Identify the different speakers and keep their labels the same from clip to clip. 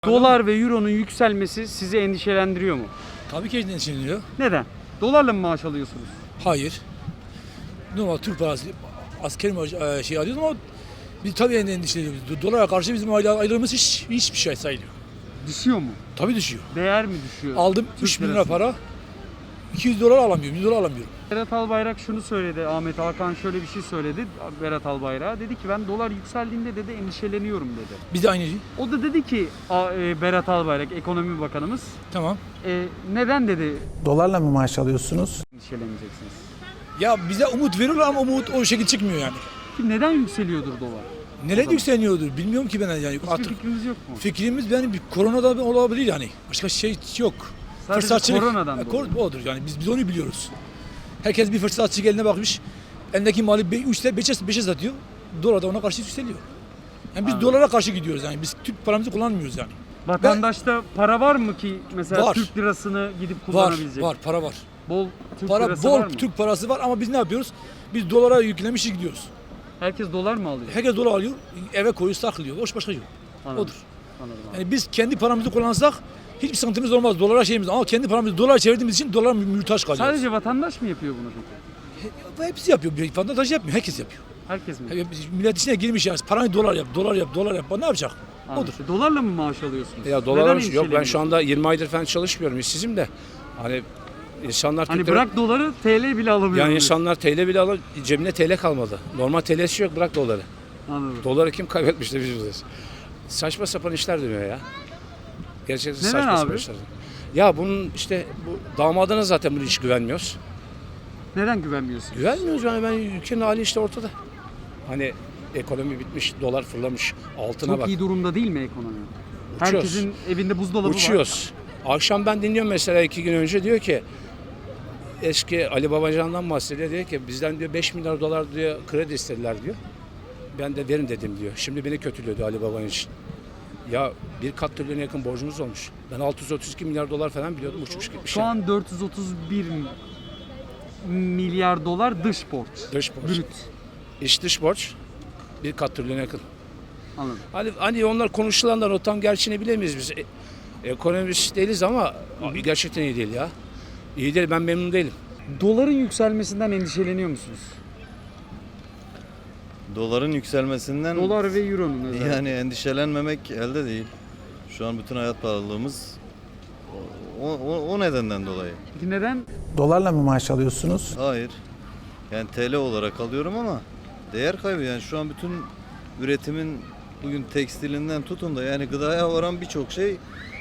Speaker 1: Dolar ve euronun yükselmesi sizi endişelendiriyor mu?
Speaker 2: Tabii ki endişeleniyor.
Speaker 1: Neden? Dolarla mı maaş alıyorsunuz?
Speaker 2: Hayır. Normal Türk parası askeri şey alıyoruz ama biz tabii endişeleniyoruz. Dolara karşı bizim aylığımız hiçbir şey sayılıyor.
Speaker 1: Düşüyor mu?
Speaker 2: Tabii düşüyor.
Speaker 1: Değer mi düşüyor?
Speaker 2: Aldım
Speaker 1: Türk
Speaker 2: 3 bin lira
Speaker 1: lirası.
Speaker 2: para. 200 dolar alamıyorum, 100 dolar alamıyorum.
Speaker 1: Berat Albayrak şunu söyledi. Ahmet Hakan şöyle bir şey söyledi. Berat Albayrak dedi ki ben dolar yükseldiğinde dedi endişeleniyorum dedi.
Speaker 2: Biz de aynı.
Speaker 1: O da dedi ki Berat Albayrak ekonomi bakanımız
Speaker 2: Tamam.
Speaker 1: neden dedi
Speaker 3: Dolarla mı maaş alıyorsunuz?
Speaker 1: endişeleneceksiniz?
Speaker 2: Ya bize umut veriyorlar ama umut o şekilde çıkmıyor yani.
Speaker 1: Ki neden yükseliyordur dolar?
Speaker 2: Nereye yükseliyordur bilmiyorum ki ben yani.
Speaker 1: Hiçbir
Speaker 2: Artık
Speaker 1: fikriniz yok mu?
Speaker 2: fikrimiz benim koronadan olabilir yani. Başka şey yok.
Speaker 1: Sadece koronadan dolayı.
Speaker 2: Odur yani biz onu biliyoruz. Herkes bir fırsatçı eline bakmış. Elindeki mali 3'te 5'e satıyor. Dolar da ona karşı yükseliyor. Yani biz dolara karşı gidiyoruz yani. Biz Türk paramızı kullanmıyoruz yani.
Speaker 1: Vatandaşta para var mı ki mesela
Speaker 2: Var.
Speaker 1: Türk lirasını gidip
Speaker 2: Var,
Speaker 1: kullanabilecek?
Speaker 2: var, para var.
Speaker 1: Bol Türk
Speaker 2: Para
Speaker 1: lirası
Speaker 2: bol
Speaker 1: var mı?
Speaker 2: Türk parası var ama biz ne yapıyoruz? Biz dolara yüklemişiz gidiyoruz.
Speaker 1: Herkes dolar mı alıyor?
Speaker 2: Herkes dolar alıyor, eve koyuyor, saklıyor. Başka yok.
Speaker 1: Anladım.
Speaker 2: Odur.
Speaker 1: Anladım abi.
Speaker 2: Yani biz kendi paramızı kullansak hiçbir sıkıntımız olmaz. Dolara şeyimiz ama kendi paramızı dolar çevirdiğimiz için dolar muhtaç kalıyoruz.
Speaker 1: Sadece vatandaş mı yapıyor bunu peki?
Speaker 2: Hepsi yapıyor. Bir vatandaş yapmıyor. Herkes yapıyor.
Speaker 1: Herkes mi?
Speaker 2: Millet içine girmiş yani. Parayı dolar yap, dolar yap, dolar yap. Ne yapacak?
Speaker 1: Anladım.
Speaker 2: Odur.
Speaker 1: Dolarla mı maaş alıyorsunuz?
Speaker 4: Ya
Speaker 1: Neden
Speaker 4: dolar yok ben şu
Speaker 1: endişeleniyorsunuz?
Speaker 4: anda 20 aydır falan çalışmıyorum işsizim de hani insanlar
Speaker 1: Hani
Speaker 4: Türk lira-
Speaker 1: bırak doları TL bile alamıyor.
Speaker 4: yani insanlar TL bile alır cebine TL kalmadı. Normal TL'si yok bırak doları.
Speaker 1: Anladım.
Speaker 4: Doları kim kaybetmiş de biz buradayız. Saçma sapan işler dönüyor ya. Gerçekten
Speaker 1: Neden
Speaker 4: saçma
Speaker 1: abi?
Speaker 4: sapan işler. Ya bunun işte bu damadına zaten bunu hiç güvenmiyoruz.
Speaker 1: Neden güvenmiyorsunuz?
Speaker 4: Güvenmiyoruz yani ben ülkenin hali işte ortada. Hani ekonomi bitmiş, dolar fırlamış, altına
Speaker 1: Çok
Speaker 4: bak.
Speaker 1: iyi durumda değil mi ekonomi?
Speaker 4: Uçuyoruz.
Speaker 1: Herkesin evinde buzdolabı var.
Speaker 4: Uçuyoruz. Akşam ben dinliyorum mesela 2 gün önce diyor ki eski Ali Babacan'dan bahsediyor diyor ki bizden diyor 5 milyar dolar diyor kredi istediler diyor. Ben de verin dedim diyor. Şimdi beni kötülüyordu Ali Babacan için. Ya 1 trilyona yakın borcumuz olmuş. Ben 632 milyar dolar falan biliyordum uçmuş gitmiş.
Speaker 1: Şu an 431 milyar dolar dış borç.
Speaker 4: Dış borç.
Speaker 1: Brüt.
Speaker 4: İç dış borç 1 trilyona yakın.
Speaker 1: Anladım.
Speaker 4: Hani onlar konuşulanlar o tam gerçeğini bilemeyiz biz. Ekonomist değiliz ama gerçekten iyi değil ya. İyi değil ben memnun değilim.
Speaker 1: Doların yükselmesinden endişeleniyor musunuz?
Speaker 5: Doların yükselmesinden
Speaker 1: Dolar ve euronun özellikle.
Speaker 5: yani endişelenmemek elde değil. Şu an bütün hayat pahalılığımız o nedenden dolayı.
Speaker 1: Peki neden?
Speaker 3: Dolarla mı maaş alıyorsunuz?
Speaker 5: Hayır. Yani TL olarak alıyorum ama değer kaybı yani şu an bütün üretimin bugün tekstilinden tutun da yani gıdaya varan birçok şey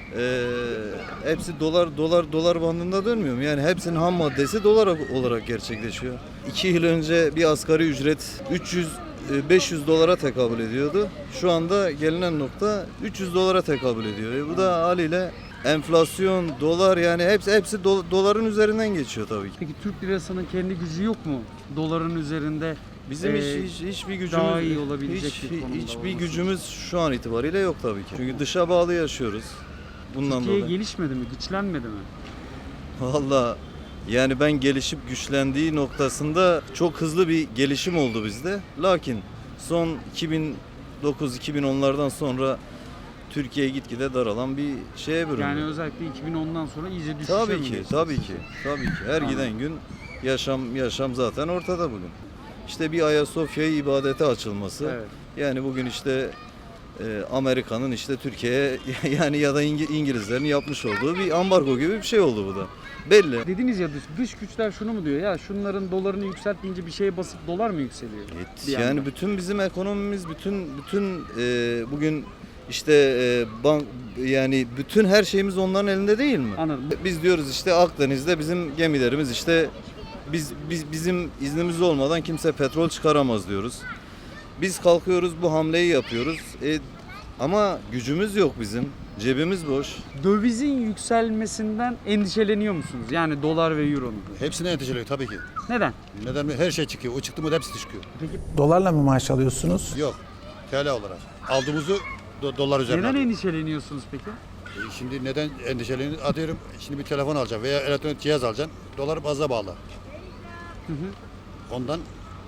Speaker 5: hepsi dolar bandında dönmüyor mu? Yani hepsinin ham maddesi dolar olarak gerçekleşiyor. 2 yıl önce bir asgari ücret 500 dolara tekabül ediyordu. Şu anda gelinen nokta 300 dolara tekabül ediyor. Bu da haliyle enflasyon, dolar yani hepsi doların üzerinden geçiyor tabii ki.
Speaker 1: Peki Türk lirasının kendi gücü yok mu? Doların üzerinde
Speaker 5: Bizim hiçbir gücümüz
Speaker 1: daha iyi olabilecek bir konumda
Speaker 5: hiçbir
Speaker 1: olması.
Speaker 5: gücümüz şu an itibariyle yok tabii ki. Çünkü dışa bağlı yaşıyoruz. Bundan
Speaker 1: Türkiye
Speaker 5: dolayı.
Speaker 1: gelişmedi mi? Güçlenmedi mi?
Speaker 5: Valla yani ben gelişip güçlendiği noktasında çok hızlı bir gelişim oldu bizde. Lakin son 2009-2010'lardan sonra Türkiye gitgide daralan bir şeye büründü.
Speaker 1: Yani özellikle 2010'dan sonra iyice düşüşe
Speaker 5: Tabii
Speaker 1: mi
Speaker 5: ki,
Speaker 1: geçti?
Speaker 5: tabii ki, tabii ki. Her giden gün yaşam zaten ortada bugün. İşte bir Ayasofya'yı ibadete açılması.
Speaker 1: Evet.
Speaker 5: Yani bugün işte Amerika'nın işte Türkiye'ye yani ya da İngilizlerin yapmış olduğu bir ambargo gibi bir şey oldu bu da. Belli.
Speaker 1: Dediniz ya dış güçler şunu mu diyor ya şunların dolarını yükseltince bir şeye basıp dolar mı yükseliyor? Bir
Speaker 5: Yani
Speaker 1: yandan.
Speaker 5: bütün bizim ekonomimiz bütün bugün işte yani bütün her şeyimiz onların elinde değil mi?
Speaker 1: Anladım.
Speaker 5: Biz diyoruz işte Akdeniz'de bizim gemilerimiz işte bizim iznimiz olmadan kimse petrol çıkaramaz diyoruz. Biz kalkıyoruz bu hamleyi yapıyoruz. Ama gücümüz yok bizim. Cebimiz boş.
Speaker 1: Dövizin yükselmesinden endişeleniyor musunuz? Yani dolar ve euronun.
Speaker 6: Hepsine endişeleniyor tabii ki.
Speaker 1: Neden?
Speaker 6: Neden mi? Her şey çıkıyor. O çıktı mı da hepsi çıkıyor.
Speaker 1: Peki
Speaker 3: Dolarla mı maaş alıyorsunuz?
Speaker 6: Yok. TL olarak. Aldığımızı dolar üzerinden
Speaker 1: neden
Speaker 6: alıyoruz.
Speaker 1: endişeleniyorsunuz peki?
Speaker 6: Şimdi neden endişeleniyor? Atıyorum şimdi bir telefon alacağım veya elektronik cihaz alacağım. Dolar fazla bağlı. Ondan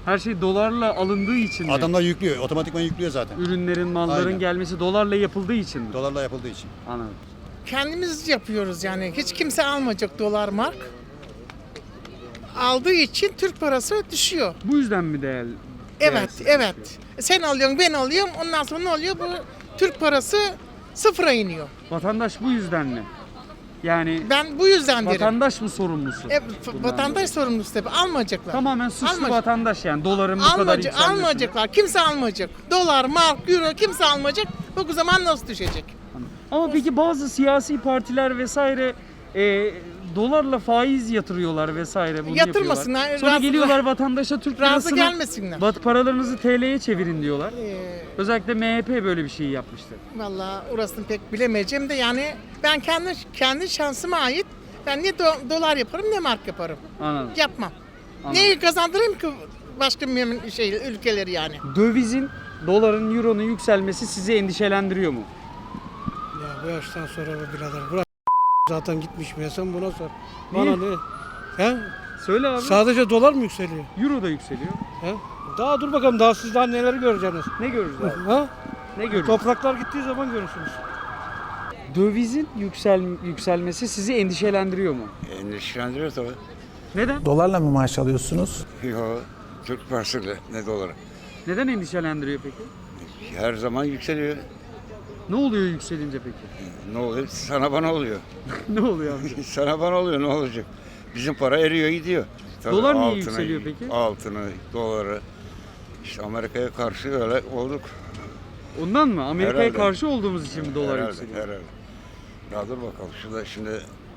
Speaker 1: Her şey dolarla alındığı için mi?
Speaker 6: Adamlar yüklüyor, otomatikman yüklüyor zaten.
Speaker 1: Ürünlerin, malların
Speaker 6: Aynen.
Speaker 1: gelmesi dolarla yapıldığı için mi?
Speaker 6: Dolarla yapıldığı için.
Speaker 1: Anladım.
Speaker 7: Kendimiz yapıyoruz yani. Hiç kimse almayacak dolar mark. Aldığı için Türk parası düşüyor.
Speaker 1: Bu yüzden mi değerli?
Speaker 7: Evet,
Speaker 1: değersiz
Speaker 7: evet.
Speaker 1: düşüyor?
Speaker 7: Sen alıyorsun, ben alıyorum. Ondan sonra ne oluyor? Bu Türk parası sıfıra iniyor.
Speaker 1: Vatandaş bu yüzden mi? Yani
Speaker 7: Ben bu yüzden derim.
Speaker 1: vatandaş mı sorumlusu? bundan
Speaker 7: Vatandaş
Speaker 1: dolayı?
Speaker 7: sorumlusu tabii. Almayacaklar.
Speaker 1: Tamamen suçlu
Speaker 7: Almayacak.
Speaker 1: vatandaş yani doların bu kadar yükselmesine.
Speaker 7: Almayacaklar. Kimse almayacak. Dolar, mark, euro kimse almayacak. O zaman nasıl düşecek?
Speaker 1: Ama peki bazı siyasi partiler vesaire dolarla faiz yatırıyorlar vesaire bunu
Speaker 7: Yatırmasınlar,
Speaker 1: yapıyorlar. Sonra
Speaker 7: razı-
Speaker 1: geliyorlar vatandaşa Türk
Speaker 7: Razı
Speaker 1: lirasını
Speaker 7: gelmesinler.
Speaker 1: paralarınızı TL'ye çevirin diyorlar. Özellikle MHP böyle bir şey yapmıştı.
Speaker 7: Vallahi orasını pek bilemeyeceğim de yani ben kendi şansıma ait ben ne dolar yaparım ne mark yaparım.
Speaker 1: Anladım.
Speaker 7: Yapmam.
Speaker 1: Anladım.
Speaker 7: Neyi kazandırayım ki başka ülkeleri yani?
Speaker 1: Dövizin, doların, euronun yükselmesi sizi endişelendiriyor mu?
Speaker 8: Ya bu yaştan sonra bu birader bırak zaten gitmiş mi ya sen buna sor. Bana ne? He?
Speaker 1: Söyle abi.
Speaker 8: Sadece dolar mı yükseliyor?
Speaker 1: Euro da yükseliyor.
Speaker 8: He? Daha dur bakalım daha siz daha neleri göreceksiniz.
Speaker 1: Ne görürüz abi?
Speaker 8: Ha?
Speaker 1: Ne görürüz?
Speaker 8: Topraklar gittiği zaman görürsünüz.
Speaker 1: Dövizin yükselmesi sizi endişelendiriyor mu?
Speaker 9: Endişelendiriyor tabii.
Speaker 1: Neden?
Speaker 3: Dolarla mı maaş alıyorsunuz?
Speaker 9: Yo, Türk parasıyla ne doları.
Speaker 1: Neden endişelendiriyor peki?
Speaker 9: Her zaman yükseliyor.
Speaker 1: Ne oluyor yükselince peki?
Speaker 9: Ne oluyor? Sana bana oluyor.
Speaker 1: Ne oluyor amca?
Speaker 9: Sana bana oluyor ne olacak? Bizim para eriyor gidiyor. Tabii
Speaker 1: Dolar niye
Speaker 9: altını,
Speaker 1: yükseliyor peki?
Speaker 9: Altını, doları. İşte Amerika'ya karşı öyle olduk.
Speaker 1: Ondan mı? Amerika'ya
Speaker 9: Herhalde.
Speaker 1: karşı olduğumuz için mi dolar
Speaker 9: Herhalde,
Speaker 1: yükseliyor?
Speaker 9: herhalde. Ya dur bakalım şurada şimdi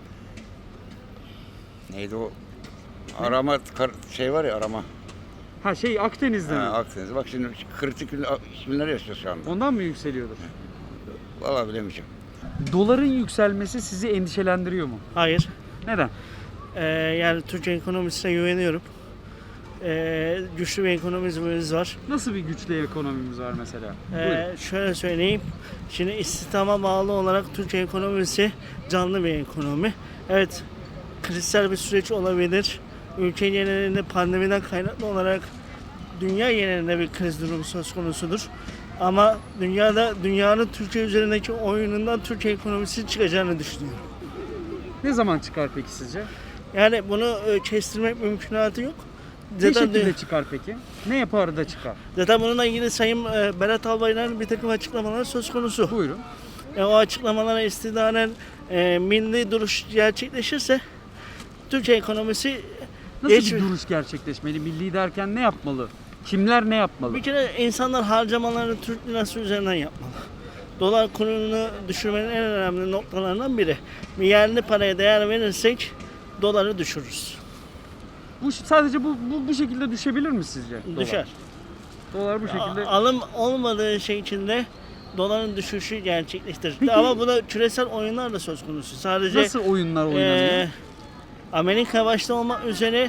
Speaker 9: neydi o? Arama şey var ya arama.
Speaker 1: Ha şey Akdeniz'de mi?
Speaker 9: Akdeniz. Bak şimdi kritik günler yaşıyor şu anda.
Speaker 1: Ondan mı yükseliyordur?
Speaker 9: Vallahi bilemeyeceğim.
Speaker 1: Doların yükselmesi sizi endişelendiriyor mu?
Speaker 10: Hayır.
Speaker 1: Neden?
Speaker 10: Yani Türkiye ekonomisine güveniyorum. Güçlü bir ekonomimiz var.
Speaker 1: Nasıl bir güçlü ekonomimiz var mesela? Buyurun.
Speaker 10: Şöyle söyleyeyim. Şimdi istihdama bağlı olarak Türkiye ekonomisi canlı bir ekonomi. Evet, krizsel bir süreç olabilir. Ülke genelinde pandemiden kaynaklı olarak dünya genelinde bir kriz durumu söz konusudur. Ama dünyanın Türkiye üzerindeki oyunundan Türkiye ekonomisi çıkacağını düşünüyorum.
Speaker 1: Ne zaman çıkar peki sizce?
Speaker 10: Yani bunu kestirmek mümkünatı yok.
Speaker 1: Ne şekilde çıkar peki? Ne yapar da çıkar?
Speaker 10: Zaten bununla ilgili Sayın Berat Albayrak'ın bir takım açıklamaları söz konusu.
Speaker 1: Buyurun.
Speaker 10: O açıklamalara istinaden milli duruş gerçekleşirse Türkiye ekonomisi
Speaker 1: Nasıl
Speaker 10: Geç-
Speaker 1: bir duruş gerçekleşmeli? Milli derken ne yapmalı? Kimler ne yapmalı?
Speaker 10: bir kere insanlar harcamalarını Türk lirası üzerinden yapmalı. Dolar kurunu düşürmenin en önemli noktalarından biri. Bir yerli paraya değer verirsek doları düşürürüz.
Speaker 1: Bu sadece bu şekilde düşebilir mi sizce?
Speaker 10: Düşer.
Speaker 1: Dolar bu şekilde.
Speaker 10: Alım olmadığı şey içinde doların düşüşü gerçekleştirir.
Speaker 1: Peki-
Speaker 10: Ama buna küresel oyunlar da söz konusu. Sadece
Speaker 1: Nasıl oyunlar oynanıyor?
Speaker 10: Amerika başta olmak üzere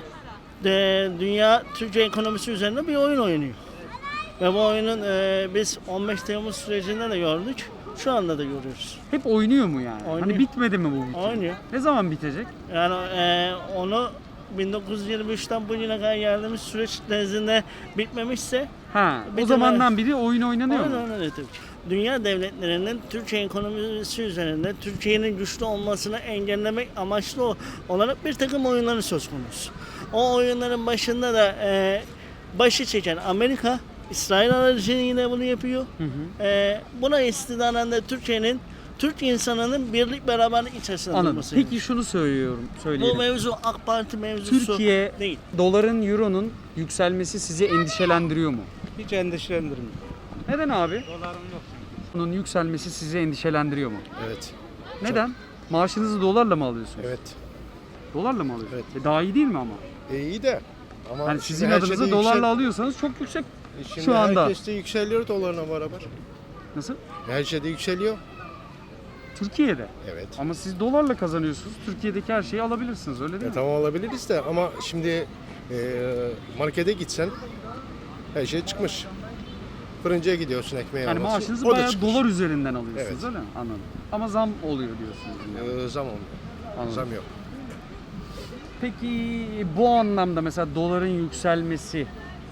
Speaker 10: dünya Türkiye ekonomisi üzerinde bir oyun oynuyor. Ve bu oyunun biz 15 Temmuz sürecinde de gördük. Şu anda da görüyoruz.
Speaker 1: Hep oynuyor mu yani?
Speaker 10: Oynuyor.
Speaker 1: Hani bitmedi mi bu?
Speaker 10: Oynuyor.
Speaker 1: Ne zaman bitecek?
Speaker 10: Yani onu 1923'ten bugüne kadar geldiğimiz süreç nezdinde bitmemişse
Speaker 1: Ha, o
Speaker 10: Bir de
Speaker 1: zamandan beri oyun oynanıyor mu?
Speaker 10: Aynen öyle tabii ki. Dünya devletlerinin Türkiye ekonomisi üzerinde Türkiye'nin güçlü olmasını engellemek amaçlı olarak bir takım oyunları söz konusu. O oyunların başında da başı çeken Amerika, İsrail aracılığıyla bunu yapıyor. Buna istinaden de Türk insanının birlik beraberlik içerisinde
Speaker 1: Anladım.
Speaker 10: durması.
Speaker 1: Peki şunu
Speaker 10: Bu
Speaker 1: söyleyelim.
Speaker 10: mevzu AK Parti mevzusu
Speaker 1: Türkiye
Speaker 10: değil.
Speaker 1: doların, euronun yükselmesi sizi endişelendiriyor mu?
Speaker 8: Hiç endişelendirmiyor.
Speaker 1: Neden abi? Bunun yükselmesi sizi endişelendiriyor mu?
Speaker 6: Evet.
Speaker 1: Neden? Maaşınızı dolarla mı alıyorsunuz?
Speaker 6: Evet.
Speaker 1: Dolarla mı alıyorsunuz? Daha iyi değil mi ama?
Speaker 6: İyi de ama
Speaker 1: Hani sizin adınıza dolarla alıyorsanız çok yüksek.
Speaker 6: Şimdi
Speaker 1: şu anda.
Speaker 6: herkes de yükseliyor dolarla beraber.
Speaker 1: Nasıl?
Speaker 6: Her şeyde yükseliyor.
Speaker 1: Türkiye'de.
Speaker 6: Evet.
Speaker 1: Ama siz dolarla kazanıyorsunuz. Türkiye'deki her şeyi alabilirsiniz öyle değil mi?
Speaker 6: Tamam alabiliriz de ama şimdi markete gitsen her şey çıkmış. Fırıncıya gidiyorsun ekmeği
Speaker 1: Yani
Speaker 6: alması,
Speaker 1: maaşınızı
Speaker 6: o da
Speaker 1: bayağı
Speaker 6: çıkmış.
Speaker 1: dolar üzerinden alıyorsunuz
Speaker 6: Evet.
Speaker 1: öyle mi? Anladım. Ama zam oluyor diyorsunuz. yani.
Speaker 6: Zam olmuyor.
Speaker 1: Anladım.
Speaker 6: Zam yok.
Speaker 1: Peki bu anlamda mesela doların yükselmesi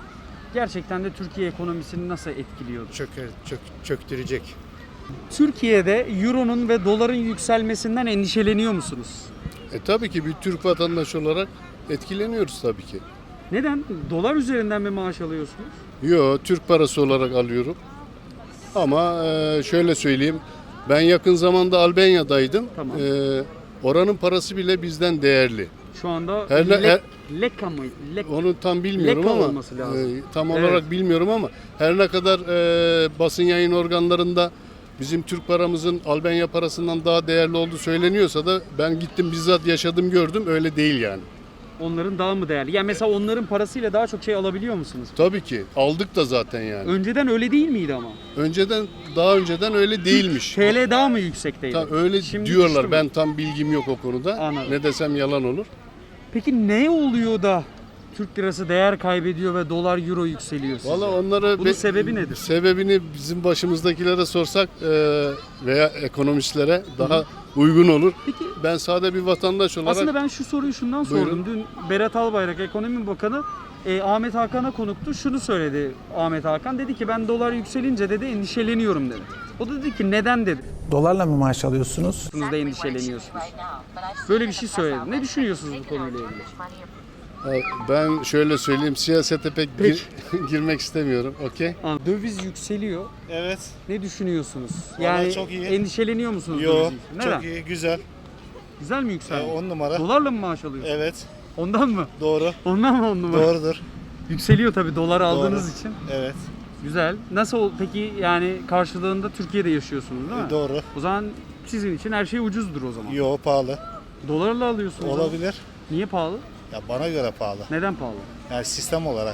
Speaker 1: gerçekten de Türkiye ekonomisini nasıl etkiliyordu?
Speaker 6: Çöktürecek.
Speaker 1: Türkiye'de euronun ve doların yükselmesinden endişeleniyor musunuz?
Speaker 6: Tabii ki bir Türk vatandaşı olarak etkileniyoruz tabii ki.
Speaker 1: Neden? Dolar üzerinden mi maaş alıyorsunuz?
Speaker 6: Yo, Türk parası olarak alıyorum. Ama şöyle söyleyeyim. Ben yakın zamanda Albanya'daydım.
Speaker 1: Tamam.
Speaker 6: Oranın parası bile bizden değerli.
Speaker 1: Şu anda
Speaker 6: Her-
Speaker 1: Leka mı?
Speaker 6: Onu tam bilmiyorum
Speaker 1: Leka
Speaker 6: ama
Speaker 1: olması lazım.
Speaker 6: tam
Speaker 1: Evet.
Speaker 6: olarak bilmiyorum ama her ne kadar basın yayın organlarında bizim Türk paramızın Albanya parasından daha değerli olduğu söyleniyorsa da ben gittim bizzat yaşadım gördüm öyle değil yani.
Speaker 1: Onların daha mı değerli? Yani mesela onların parasıyla daha çok şey alabiliyor musunuz?
Speaker 6: Tabii ki aldık da zaten yani.
Speaker 1: Önceden öyle değil miydi ama?
Speaker 6: Daha önceden öyle değilmiş.
Speaker 1: TL daha mı yüksekteydi?
Speaker 6: Öyle
Speaker 1: Şimdi
Speaker 6: diyorlar.
Speaker 1: düştü mü?
Speaker 6: Ben tam bilgim yok o konuda.
Speaker 1: Anladım.
Speaker 6: Ne desem yalan olur.
Speaker 1: Peki ne oluyor da Türk lirası değer kaybediyor ve dolar euro yükseliyor sizce?
Speaker 6: Valla onlara
Speaker 1: Bunun sebebi nedir?
Speaker 6: Sebebini bizim başımızdakilere sorsak veya ekonomistlere daha uygun olur.
Speaker 1: Peki
Speaker 6: Ben sade bir vatandaş olarak
Speaker 1: aslında ben şu soruyu şundan sordum.
Speaker 6: Buyurun.
Speaker 1: Dün Berat Albayrak Ekonomi Bakanı Ahmet Hakan'a konuktu. Şunu söyledi Ahmet Hakan. Dedi ki ben dolar yükselince dedi endişeleniyorum dedi. O da dedi ki neden dedi.
Speaker 3: Dolarla mı maaş alıyorsunuz?
Speaker 1: Siz de endişeleniyorsunuz. Böyle bir şey söyledi. Ne düşünüyorsunuz bu konuyla ilgili?
Speaker 6: ben şöyle söyleyeyim siyasete pek girmek istemiyorum. Okey?
Speaker 1: Döviz yükseliyor.
Speaker 11: Evet.
Speaker 1: Ne düşünüyorsunuz?
Speaker 11: Vallahi
Speaker 1: Yani
Speaker 11: çok iyi.
Speaker 1: endişeleniyor musunuz?
Speaker 11: Yo,
Speaker 1: döviz için? Neden?
Speaker 11: çok iyi, güzel.
Speaker 1: Güzel mi yükseldi?
Speaker 11: 10 numara.
Speaker 1: Dolarla mı maaş alıyorsunuz?
Speaker 11: Evet,
Speaker 1: Ondan mı?
Speaker 11: doğru.
Speaker 1: Ondan mı 10 numara?
Speaker 11: Doğrudur.
Speaker 1: Yükseliyor tabii dolar aldığınız için.
Speaker 11: Evet,
Speaker 1: Güzel. Nasıl peki yani karşılığında Türkiye'de yaşıyorsunuz değil mi?
Speaker 11: doğru.
Speaker 1: O zaman sizin için her şey ucuzdur o zaman.
Speaker 11: Yo, pahalı.
Speaker 1: Dolarla alıyorsunuz. ama.
Speaker 11: Olabilir.
Speaker 1: Niye pahalı?
Speaker 11: Ya bana göre pahalı.
Speaker 1: Neden pahalı?
Speaker 11: Yani sistem olarak.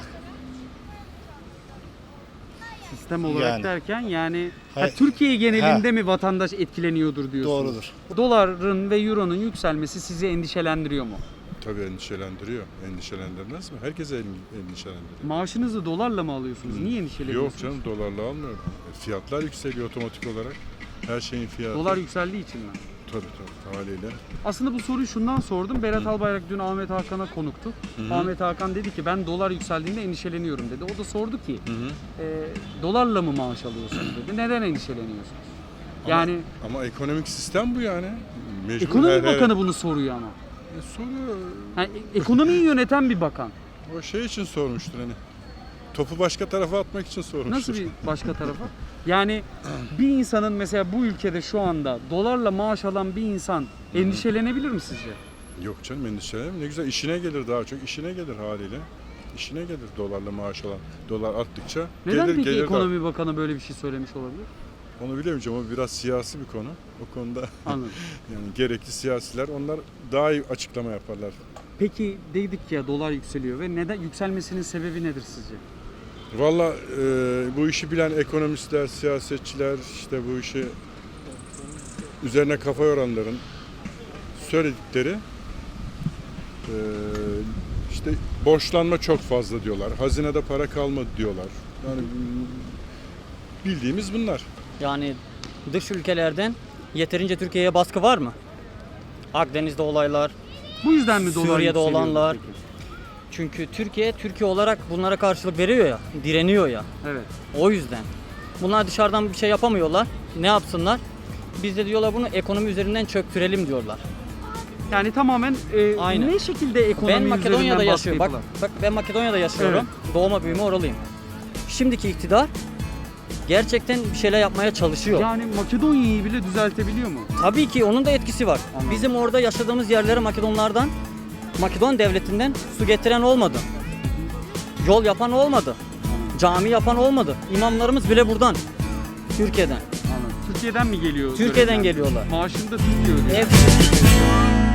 Speaker 1: Sistem olarak
Speaker 11: Yani.
Speaker 1: derken yani
Speaker 11: Hayır.
Speaker 1: Türkiye genelinde mi vatandaş etkileniyordur diyorsunuz?
Speaker 11: Doğrudur.
Speaker 1: Doların ve euronun yükselmesi sizi endişelendiriyor mu?
Speaker 12: Tabii endişelendiriyor. Endişelendirmez mi? Herkese endişelendiriyor.
Speaker 1: Maaşınızı dolarla mı alıyorsunuz? Niye
Speaker 12: Yok
Speaker 1: endişeleniyorsunuz?
Speaker 12: canım dolarla almıyorum. Fiyatlar yükseliyor otomatik olarak. Her şeyin fiyatı.
Speaker 1: Dolar yükseldiği için mi?
Speaker 12: Tabii haliyle.
Speaker 1: Aslında bu soruyu şundan sordum. Berat Albayrak dün Ahmet Hakan'a konuktu. Ahmet Hakan dedi ki ben dolar yükseldiğinde endişeleniyorum dedi. O da sordu ki dolarla mı maaş alıyorsunuz dedi. Neden endişeleniyorsunuz? Yani
Speaker 12: Ama ekonomik sistem bu yani. Mecbur
Speaker 1: ekonomi bakanı bunu soruyor ama.
Speaker 12: soruyor.
Speaker 1: Yani ekonomiyi yöneten bir bakan.
Speaker 12: O şey için sormuştur hani. Topu başka tarafa atmak için sormuştur.
Speaker 1: Nasıl bir başka tarafa? Yani bir insanın mesela bu ülkede şu anda dolarla maaş alan bir insan endişelenebilir mi sizce?
Speaker 12: Yok canım endişelenme. Ne güzel işine gelir daha çok. İşine gelir haliyle. İşine gelir dolarla maaş alan. Dolar arttıkça
Speaker 1: Neden
Speaker 12: gelir,
Speaker 1: peki
Speaker 12: gelir
Speaker 1: ekonomi bakanı böyle bir şey söylemiş olabilir?
Speaker 12: Onu bilemeyeceğim ama biraz siyasi bir konu. O konuda
Speaker 1: Anladım.
Speaker 12: yani gerekli siyasiler onlar daha iyi açıklama yaparlar.
Speaker 1: Peki dedik ya dolar yükseliyor ve neden yükselmesinin sebebi nedir sizce?
Speaker 12: Valla bu işi bilen ekonomistler, siyasetçiler işte bu işi üzerine kafa yoranların söyledikleri işte borçlanma çok fazla diyorlar. Hazinede para kalmadı diyorlar. Yani bildiğimiz bunlar.
Speaker 13: Yani dış ülkelerden yeterince Türkiye'ye baskı var mı? Akdeniz'de olaylar,
Speaker 1: Bu yüzden mi dolar
Speaker 13: Suriye'de
Speaker 1: yükseliyor
Speaker 13: olanlar.
Speaker 1: peki?
Speaker 13: Çünkü Türkiye olarak bunlara karşılık veriyor ya, direniyor ya.
Speaker 1: Evet.
Speaker 13: O yüzden. Bunlar dışarıdan bir şey yapamıyorlar. Ne yapsınlar? Biz de diyorlar bunu ekonomi üzerinden çöktürelim diyorlar.
Speaker 1: Yani tamamen
Speaker 13: Aynen.
Speaker 1: ne şekilde ekonomi
Speaker 13: Ben Makedonya'da
Speaker 1: üzerinden baskı
Speaker 13: yaşıyorum. Bak,
Speaker 1: yapıyorlar?
Speaker 13: ben Makedonya'da yaşıyorum. Doğma büyüme oralıyım. Şimdiki iktidar gerçekten bir şeyler yapmaya çalışıyor.
Speaker 1: Yani Makedonya'yı bile düzeltebiliyor mu?
Speaker 13: Tabii ki onun da etkisi var.
Speaker 1: Anladım.
Speaker 13: Bizim orada yaşadığımız yerlere Makedonlardan, Makedon devletinden su getiren olmadı. Yol yapan olmadı. Cami yapan olmadı. İmamlarımız bile buradan. Türkiye'den.
Speaker 1: Anladım. Türkiye'den mi geliyor?
Speaker 13: Türkiye'den
Speaker 1: görevler?
Speaker 13: geliyorlar.
Speaker 1: Maaşını da Türkiye ödüyor.
Speaker 13: Hepsi.